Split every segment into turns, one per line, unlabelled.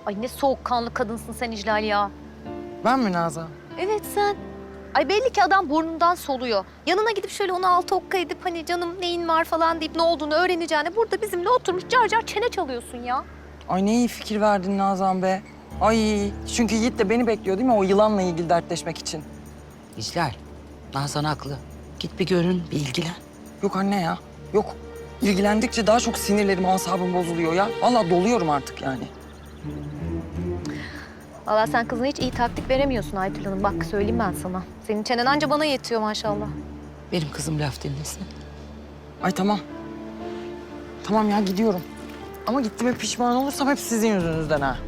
Ay ne soğukkanlı kadınsın sen İclal ya.
Ben mi Nazan?
Evet sen. Ay belli ki adam burnundan soluyor. Yanına gidip şöyle ona altı okka edip hani canım neyin var falan deyip ne olduğunu öğreneceğine burada bizimle oturmuş car car çene çalıyorsun ya.
Ay ne iyi fikir verdin Nazan be. Ay çünkü Yiğit de beni bekliyor değil mi o yılanla ilgili dertleşmek için?
İclal, Nazan haklı. Git bir görün, bir ilgilen.
Yok anne ya, yok. İlgilendikçe daha çok sinirlerim, asabım bozuluyor ya. Vallahi doluyorum artık yani.
Vallahi sen kızına hiç iyi taktik veremiyorsun Aytül Hanım. Bak söyleyeyim ben sana. Senin çenen anca bana yetiyor maşallah.
Benim kızım laf dinlesin.
Ay tamam. Tamam ya gidiyorum. Ama gittiğime pişman olursam hep sizin yüzünüzden ha.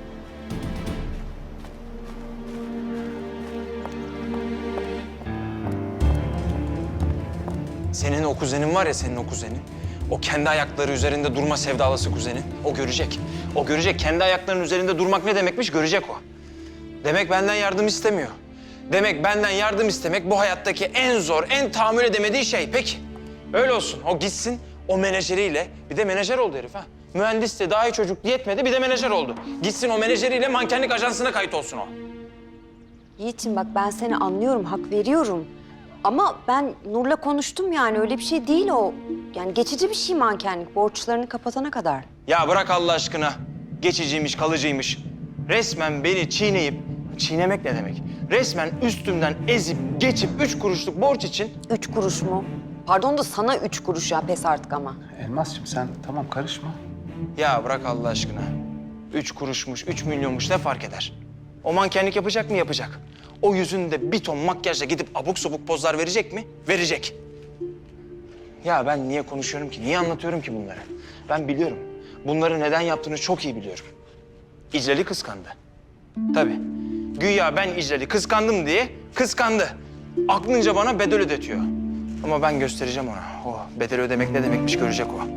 Senin o kuzenin var ya, senin o kuzenin. O kendi ayakları üzerinde durma sevdalısı kuzenin. O görecek. O görecek. Kendi ayaklarının üzerinde durmak ne demekmiş görecek o. Demek benden yardım istemiyor. Demek benden yardım istemek bu hayattaki en zor, en tahammül edemediği şey. Peki. Öyle olsun. O gitsin o menajeriyle. Bir de menajer oldu herif ha. Mühendis de daha iyi çocuk yetmedi, bir de menajer oldu. Gitsin o menajeriyle mankenlik ajansına kayıt olsun o.
Yiğit'im bak ben seni anlıyorum, hak veriyorum. Ama ben Nur'la konuştum yani öyle bir şey değil o. Yani geçici bir şey mankenlik, borçlarını kapatana kadar.
Ya bırak Allah aşkına. Geçiciymiş, kalıcıymış. Resmen beni çiğneyip, çiğnemek ne demek? Resmen üstümden ezip, geçip 3 kuruşluk borç için...
3 kuruş mu? Pardon da sana 3 kuruş ya pes artık ama.
Elmas'cığım sen tamam karışma.
Ya bırak Allah aşkına. 3 kuruşmuş, 3 milyonmuş ne fark eder? O mankenlik yapacak mı? Yapacak. O yüzünde bir ton makyajla gidip abuk sabuk pozlar verecek mi? Verecek. Ya ben niye konuşuyorum ki? Niye anlatıyorum ki bunları? Ben biliyorum. Bunları neden yaptığını çok iyi biliyorum. İclal'i kıskandı. Tabii. Güya ben İclal'i kıskandım diye kıskandı. Aklınca bana bedel ödetiyor. Ama ben göstereceğim ona. O bedel ödemek ne demekmiş görecek o.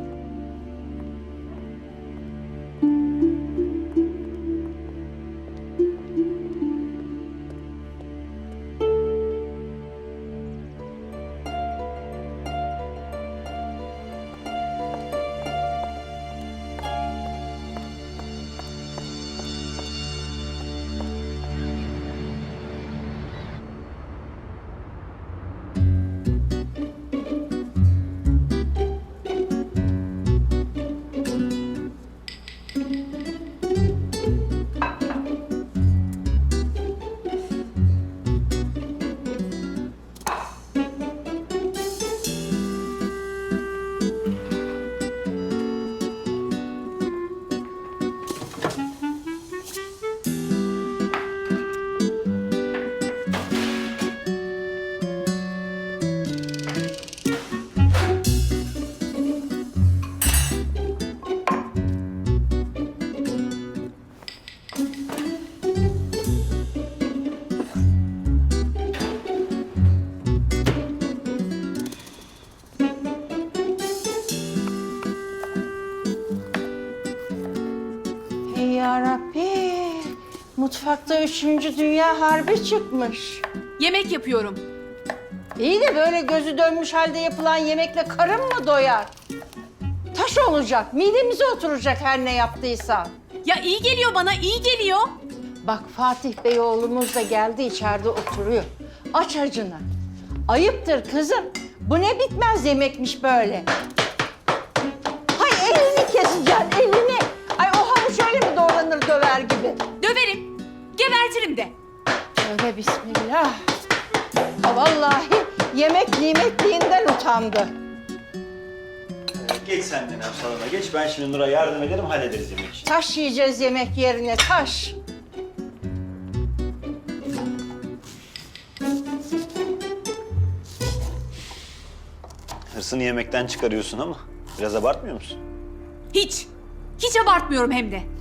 Ey yarabbi, mutfakta 3. Dünya Harbi çıkmış.
Yemek yapıyorum.
İyi de böyle gözü dönmüş halde yapılan yemekle karın mı doyar? Taş olacak, midemize oturacak her ne yaptıysan.
Ya iyi geliyor bana, iyi geliyor.
Bak Fatih Bey oğlumuz da geldi içeride oturuyor. Aç acını. Ayıptır kızım. Bu ne bitmez yemekmiş böyle. Hay elini keseceksin, elini. Ay o havuç öyle mi doğranır döver gibi?
Döverim, gebertirim de.
Tövbe bismillah. Ha, vallahi yemek nimetliğinden utandı.
Geç sen de Nev salona geç. Ben şimdi Nur'a yardım ederim, hallederiz yemek işini.
Taş yiyeceğiz yemek yerine, taş.
Hırsını yemekten çıkarıyorsun ama biraz abartmıyor musun?
Hiç, hiç abartmıyorum hem de.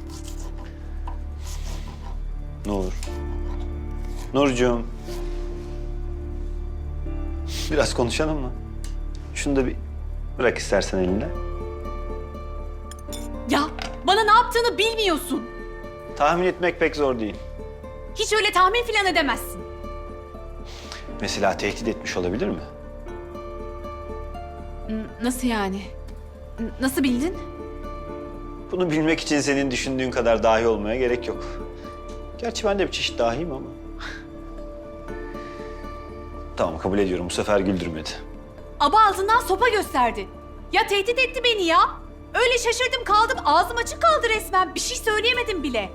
Nur. Nurcuğum. Biraz konuşalım mı? Şunu da bir bırak istersen elinde.
Ya bana ne yaptığını bilmiyorsun.
Tahmin etmek pek zor değil.
Hiç öyle tahmin falan edemezsin.
Mesela tehdit etmiş olabilir mi?
Nasıl yani? Nasıl bildin?
Bunu bilmek için senin düşündüğün kadar dahi olmaya gerek yok. Gerçi ben de bir çeşit dahiyim ama. Tamam, kabul ediyorum. Bu sefer güldürmedi.
Aba altından sopa gösterdi. Ya tehdit etti beni ya. Öyle şaşırdım kaldım. Ağzım açık kaldı resmen. Bir şey söyleyemedim bile.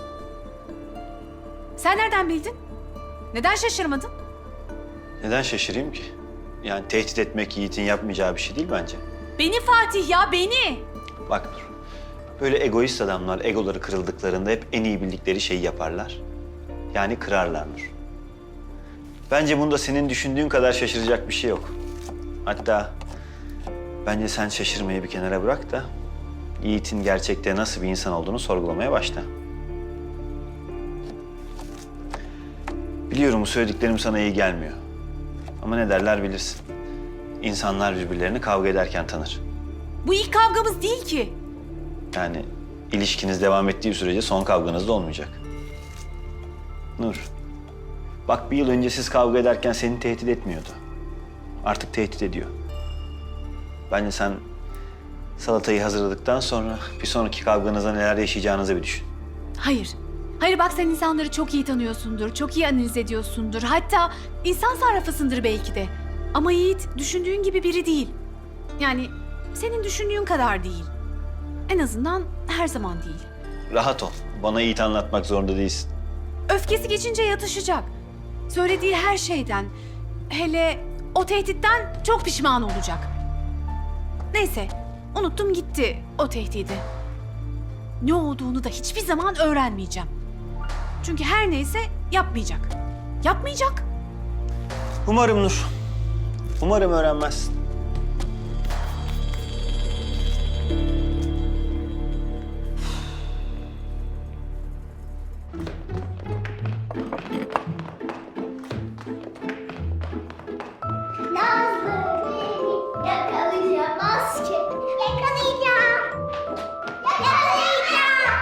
Sen nereden bildin? Neden şaşırmadın?
Neden şaşırayım ki? Yani tehdit etmek Yiğit'in yapmayacağı bir şey değil bence.
Beni Fatih ya, beni.
Bak Nur, böyle egoist adamlar egoları kırıldıklarında hep en iyi bildikleri şeyi yaparlar. Yani kırarlar Nur. Bence bunda senin düşündüğün kadar şaşıracak bir şey yok. Hatta bence sen şaşırmayı bir kenara bırak da Yiğit'in gerçekte nasıl bir insan olduğunu sorgulamaya başla. Biliyorum bu söylediklerim sana iyi gelmiyor. Ama ne derler bilirsin. İnsanlar birbirlerini kavga ederken tanır.
Bu ilk kavgamız değil ki.
Yani ilişkiniz devam ettiği sürece son kavganız da olmayacak. Nur, bak bir yıl önce siz kavga ederken seni tehdit etmiyordu. Artık tehdit ediyor. Bence sen salatayı hazırladıktan sonra bir sonraki kavganızda neler yaşayacağınızı bir düşün.
Hayır. Hayır bak sen insanları çok iyi tanıyorsundur, çok iyi analiz ediyorsundur. Hatta insan sarrafısındır belki de. Ama Yiğit düşündüğün gibi biri değil. Yani senin düşündüğün kadar değil. En azından her zaman değil.
Rahat ol. Bana Yiğit anlatmak zorunda değilsin.
Öfkesi geçince yatışacak. Söylediği her şeyden, hele o tehditten çok pişman olacak. Neyse, unuttum gitti o tehdidi. Ne olduğunu da hiçbir zaman öğrenmeyeceğim. Çünkü her neyse yapmayacak. Yapmayacak.
Umarım Nur. Umarım öğrenmezsin.
Yakalayamaz ki. Yakalayacağım. Yakalayacağım.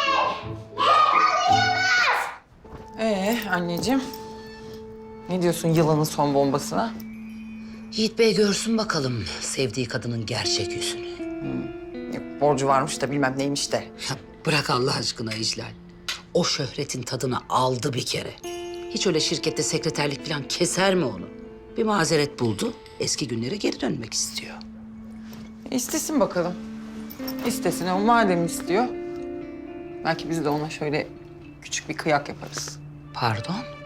Yakalayamaz.
Anneciğim. Ne diyorsun yılanın son bombasına?
Yiğit Bey görsün bakalım sevdiği kadının gerçek yüzünü.
Yok, borcu varmış da bilmem neymiş de.
Ya bırak Allah aşkına İclal. O şöhretin tadını aldı bir kere. Hiç öyle şirkette sekreterlik falan keser mi onu? Bir mazeret buldu, eski günlere geri dönmek istiyor.
İstesin bakalım. İstesin. O madem istiyor. Belki biz de ona şöyle küçük bir kıyak yaparız.
Pardon?